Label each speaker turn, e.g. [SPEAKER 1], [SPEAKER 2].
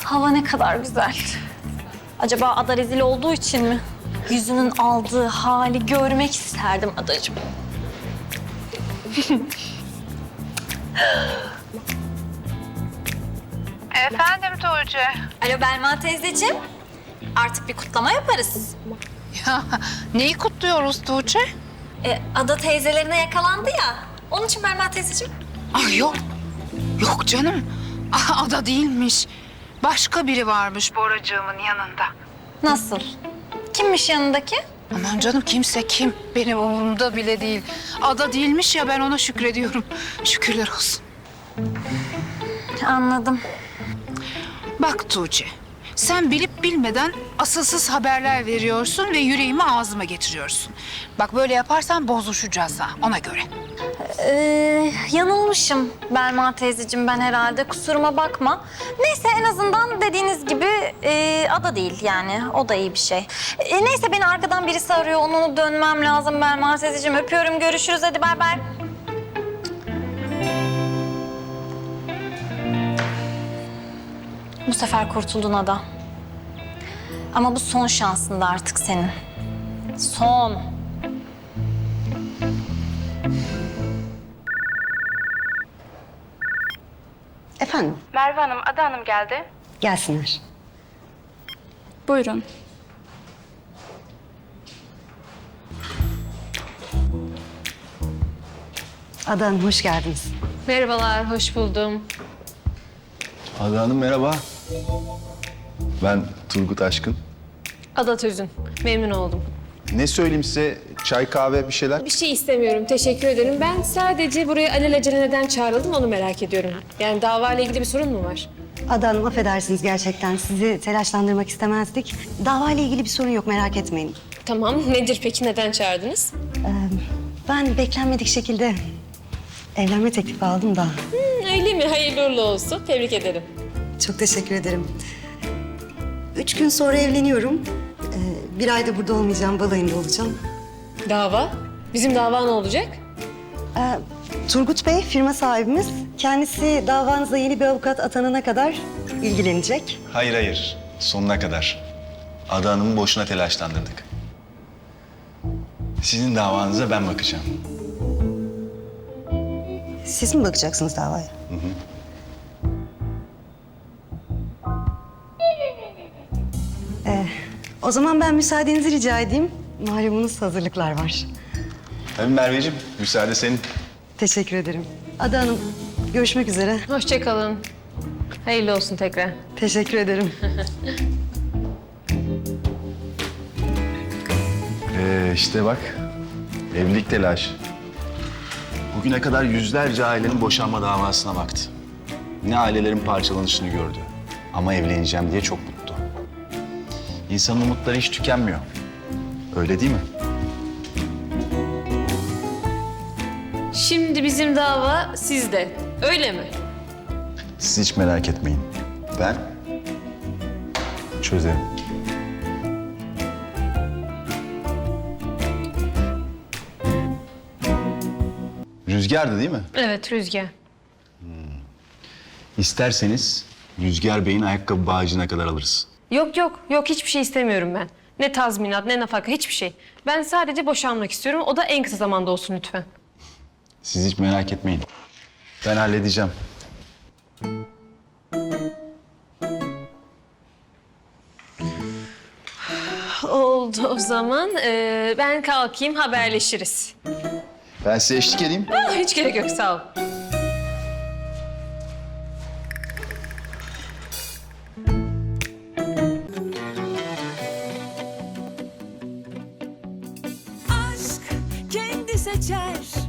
[SPEAKER 1] Hava ne kadar güzel. Acaba Ada rezil olduğu için mi? Yüzünün aldığı hali görmek isterdim adacığım.
[SPEAKER 2] Efendim Tuğçe.
[SPEAKER 1] Alo Belma teyzeciğim. Artık bir kutlama yaparız.
[SPEAKER 2] Ya neyi kutluyoruz Tuğçe?
[SPEAKER 1] Ada teyzelerine yakalandı ya. Onun için Belma teyzeciğim.
[SPEAKER 2] Ay yok. Yok canım. Ada değilmiş. Başka biri varmış Boracığımın yanında.
[SPEAKER 1] Nasıl? Kimmiş yanındaki?
[SPEAKER 2] Aman canım kimse kim? Benim umurumda bile değil. Ada değilmiş ya ben ona şükrediyorum. Şükürler olsun.
[SPEAKER 1] Anladım.
[SPEAKER 2] Bak Tuğçe, sen bilip bilmeden asılsız haberler veriyorsun ve yüreğimi ağzıma getiriyorsun. Bak böyle yaparsan bozuşacağız ha, ona göre.
[SPEAKER 1] Yanılmışım Belma teyzeciğim ben herhalde. Kusuruma bakma. Neyse en azından dediğiniz gibi Ada değil yani. O da iyi bir şey. Neyse beni arkadan birisi arıyor. Onu dönmem lazım Belma teyzeciğim. Öpüyorum. Görüşürüz. Hadi bay bay. Bu sefer kurtuldun Ada. Ama bu son şansın da artık senin. Son.
[SPEAKER 3] Efendim,
[SPEAKER 4] Merve Hanım, Ada Hanım geldi.
[SPEAKER 3] gelsinler.
[SPEAKER 4] Buyurun.
[SPEAKER 3] Ada Hanım, hoş geldiniz.
[SPEAKER 4] Merhabalar, hoş buldum.
[SPEAKER 5] Ada Hanım merhaba. Ben Turgut Aşkın.
[SPEAKER 4] Ada Tüzün, memnun oldum.
[SPEAKER 5] Ne söyleyeyim size? Çay, kahve bir şeyler?
[SPEAKER 4] Bir şey istemiyorum, teşekkür ederim. Ben sadece buraya alelacele neden çağrıldım onu merak ediyorum. Yani davayla ilgili bir sorun mu var?
[SPEAKER 3] Ada Hanım, affedersiniz gerçekten. Sizi telaşlandırmak istemezdik. Davayla ilgili bir sorun yok, merak etmeyin.
[SPEAKER 4] Tamam, nedir peki, neden çağırdınız?
[SPEAKER 3] Ben beklenmedik şekilde evlenme teklifi aldım da.
[SPEAKER 4] Öyle mi? Hayırlı uğurlu olsun, tebrik ederim.
[SPEAKER 3] Çok teşekkür ederim. 3 gün sonra evleniyorum. Bir ayda burada olmayacağım, balayında olacağım.
[SPEAKER 4] Dava? Bizim dava ne olacak?
[SPEAKER 3] Turgut Bey, firma sahibimiz. Kendisi davanıza yeni bir avukat atanana kadar ilgilenecek.
[SPEAKER 5] Hayır. Sonuna kadar. Ada Hanım'ı boşuna telaşlandırdık. Sizin davanıza ben bakacağım.
[SPEAKER 3] Siz mi bakacaksınız davaya? O zaman ben müsaadenizi rica edeyim. Malumunuz hazırlıklar var.
[SPEAKER 5] Tabii Merveciğim, müsaade senin.
[SPEAKER 3] Teşekkür ederim. Ada Hanım, görüşmek üzere.
[SPEAKER 4] Hoşça kalın. Hayırlı olsun tekrar.
[SPEAKER 3] Teşekkür ederim.
[SPEAKER 5] İşte bak, evlilik telaşı. Bugüne kadar yüzlerce ailenin boşanma davasına baktı. Ne ailelerin parçalanışını gördü. Ama evleneceğim diye çok mutlu. İnsanın umutları hiç tükenmiyor. Öyle değil mi?
[SPEAKER 4] Şimdi bizim dava sizde, öyle mi?
[SPEAKER 5] Siz hiç merak etmeyin. Ben çözerim. Rüzgar'dı değil mi?
[SPEAKER 4] Evet, Rüzgar.
[SPEAKER 5] İsterseniz Rüzgar Bey'in ayakkabı bağcığına kadar alırız.
[SPEAKER 4] Yok hiçbir şey istemiyorum ben. Ne tazminat, ne nafaka, hiçbir şey. Ben sadece boşanmak istiyorum. O da en kısa zamanda olsun lütfen.
[SPEAKER 5] Siz hiç merak etmeyin. Ben halledeceğim.
[SPEAKER 4] Oldu o zaman. Ben kalkayım, haberleşiriz.
[SPEAKER 5] Ben size eşlik edeyim.
[SPEAKER 4] Hiç gerek yok, sağ ol.
[SPEAKER 6] Aşk kendi seçer